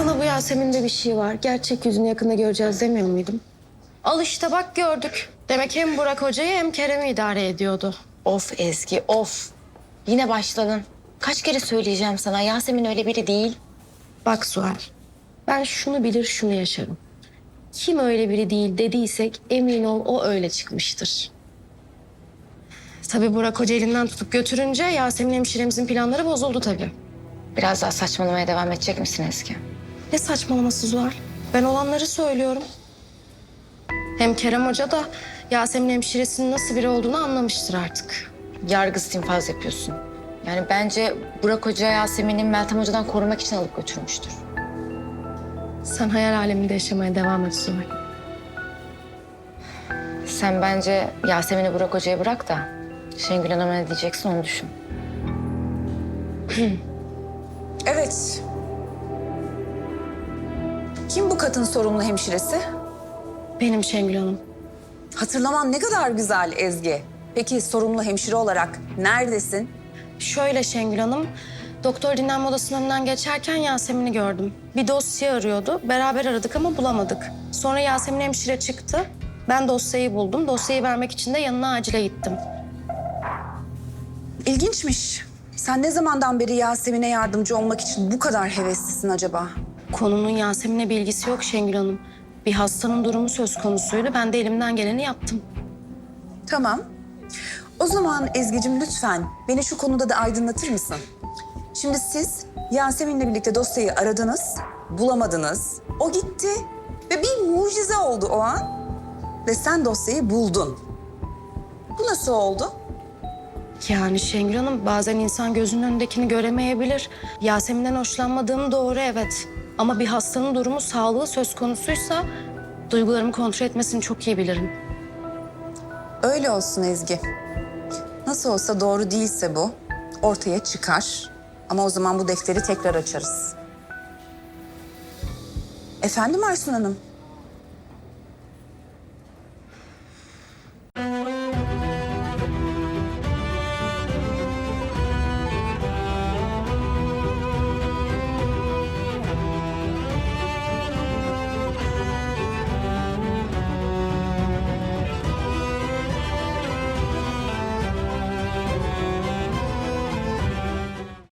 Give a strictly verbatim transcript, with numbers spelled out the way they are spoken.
Sana bu Yasemin'de bir şey var. Gerçek yüzünü yakında göreceğiz demiyor muydum? Al işte bak gördük. Demek hem Burak Hoca'yı hem Kerem'i idare ediyordu. Of Ezgi, of. Yine başladın. Kaç kere söyleyeceğim sana, Yasemin öyle biri değil. Bak Sual, ben şunu bilir şunu yaşarım. Kim öyle biri değil dediysek emin ol o öyle çıkmıştır. Tabii Burak Hoca elinden tutup götürünce Yasemin hemşiremizin planları bozuldu tabii. Biraz daha saçmalamaya devam edecek misin Ezgi? Ne saçmalaması Zuhal? Ben olanları söylüyorum. Hem Kerem Hoca da Yasemin hemşiresinin nasıl biri olduğunu anlamıştır artık. Yargısız infaz yapıyorsun. Yani bence Burak Hoca Yasemin'i Meltem Hoca'dan korumak için alıp götürmüştür. Sen hayal aleminde yaşamaya devam et Zuhal. Sen bence Yasemin'i Burak Hoca'ya bırak da Şengül Hanım'a ne diyeceksin onu düşün. Evet. Kim bu kadın sorumlu hemşiresi? Benim Şengül Hanım. Hatırlaman ne kadar güzel Ezgi. Peki sorumlu hemşire olarak neredesin? Şöyle Şengül Hanım, doktor dinlenme odasının önünden geçerken Yasemin'i gördüm. Bir dosya arıyordu. Beraber aradık ama bulamadık. Sonra Yasemin hemşire çıktı. Ben dosyayı buldum. Dosyayı vermek için de yanına acile gittim. İlginçmiş. Sen ne zamandan beri Yasemin'e yardımcı olmak için bu kadar heveslisin acaba? Konunun Yasemin'le bir ilgisi yok Şengül Hanım. Bir hastanın durumu söz konusuydu. Ben de elimden geleni yaptım. Tamam. O zaman Ezgi'cim lütfen beni şu konuda da aydınlatır mısın? Şimdi siz Yasemin'le birlikte dosyayı aradınız, bulamadınız. O gitti ve bir mucize oldu o an. Ve sen dosyayı buldun. Bu nasıl oldu? Yani Şengül Hanım bazen insan gözünün önündekini göremeyebilir. Yasemin'den hoşlanmadığım doğru evet. Ama bir hastanın durumu sağlığı söz konusuysa duygularımı kontrol etmesini çok iyi bilirim. Öyle olsun Ezgi. Nasıl olsa doğru değilse bu ortaya çıkar. Ama o zaman bu defteri tekrar açarız. Efendim Aysun Hanım?